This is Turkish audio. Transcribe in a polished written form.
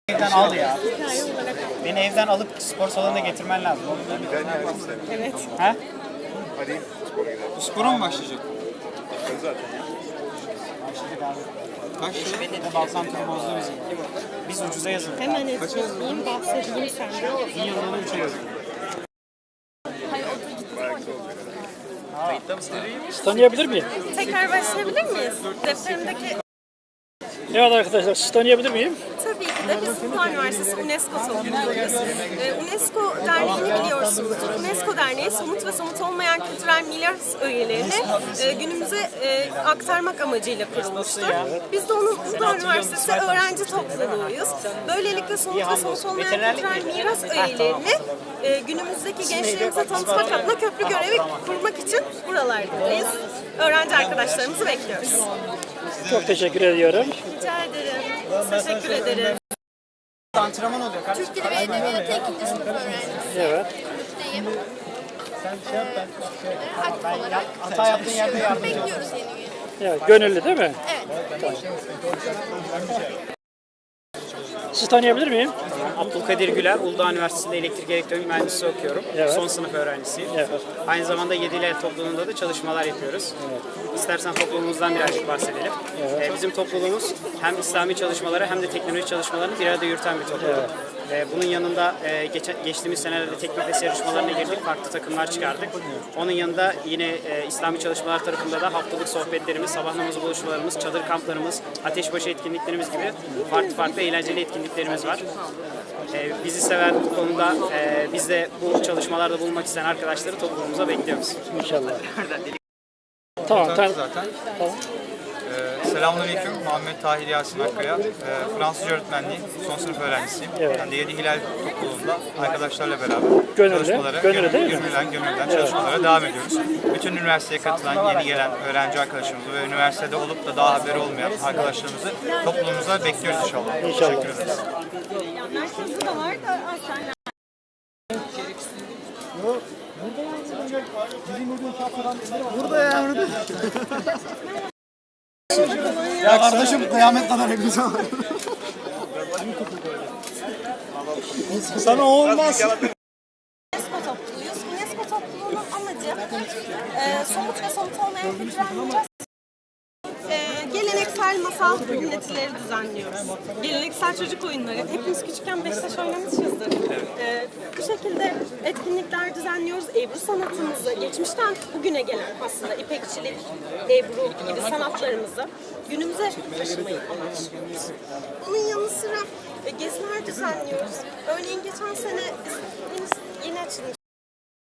Evden al ya. Beni evden alıp spor salonuna getirmen lazım. Evet. Ha? Hadi spora gidelim. Bu spora mı başlayacak? Zaten ya. Başladık abi. Kaç lira? Bir de Balsan turu bozdu bizi. Biz ucuza yazıldık. Hemen etkileyeyim, bahsedeyim senden. Bir yıllığına 3'e yazıldık. Tanıyabilir miyim? Tekrar başlayabilir miyiz? Defterimdeki Evet arkadaşlar, siz tanıyabilir miyim? tabii ki de biz Uludağ Üniversitesi UNESCO topluluğuyuz. UNESCO Derneği'ni biliyorsunuzdur. UNESCO Derneği somut ve somut olmayan kültürel miras öğelerini günümüze aktarmak amacıyla kurulmuştur. Biz de onun Uludağ Üniversitesi öğrenci topluluğuyuz. Böylelikle somut ve somut olmayan kültürel miras öğelerini günümüzdeki gençlerimize tanıtmak adına köprü görevi kurmak için buralardayız. Öğrenci arkadaşlarımızı bekliyoruz. Çok teşekkür ediyorum. Rica ederim. Teşekkür ederim. Antrenman oluyor kardeşim. Türk Dili ve Edebiyatı 2. sınıf öğrencisiyim. Evet. Sen şey yap ben hata yaptığın yerde yardımcı ol. Bekliyoruz yeni üye. Evet, gönüllü değil mi? Evet. Siz tanıyabilir miyim? Abdülkadir Güler, Uludağ Üniversitesi'nde elektrik elektronik mühendisliği okuyorum. Evet. Son sınıf öğrencisiyim. Evet. Aynı zamanda Yedili El topluluğunda da çalışmalar yapıyoruz. İstersen topluluğumuzdan birazcık bahsedelim. Bizim topluluğumuz hem İslami çalışmaları hem de teknoloji çalışmalarını bir arada yürüten bir topluluk. Bunun yanında geçtiğimiz senelerde teknofest yarışmalarına girdik, farklı takımlar çıkardık. Onun yanında yine İslami çalışmalar tarafında da haftalık sohbetlerimiz, sabah namazı buluşmalarımız, çadır kamplarımız, ateşbaşı etkinliklerimiz gibi farklı eğlenceli etkinliklerimiz var. Bizi seven bu konuda biz de bu çalışmalarda bulunmak isteyen arkadaşları topluluğumuza bekliyoruz. İnşallah. Tamam, Zaten. tamam. Selamünaleyküm. Muhammed Tahir Yasin Akkaya. Fransızca öğretmenliği son sınıf öğrencisiyim. Evet. Ben de Yedi Hilal topluluğunda arkadaşlarla beraber Gönüllü, çalışmalara, gönüllü değil mi? gönülden çalışmalara devam ediyoruz. Bütün üniversiteye katılan, yeni gelen öğrenci arkadaşlarımızı ve üniversitede olup da daha haberi olmayan arkadaşlarımızı topluluğumuza bekliyoruz inşallah. İnşallah. Teşekkür ederiz. Ya kardeşim kıyamet kadar hepimiz var. Sana olmaz. UNESCO topluluğuyuz. UNESCO topluluğunun amacı somut ve somut olmayan kültürel miras geleneksel masal ünletileri düzenliyoruz. Geleneksel çocuk oyunları. Hepimiz küçükken Beşiktaş oynamışızdır. Bu şekilde etkinlikler düzenliyoruz. Ebru sanatımızı, geçmişten bugüne gelen aslında ipekçilik, ebru gibi sanatlarımızı günümüze taşımayı amaçlıyoruz. Bunun yanı sıra geziler düzenliyoruz. Örneğin geçen sene biz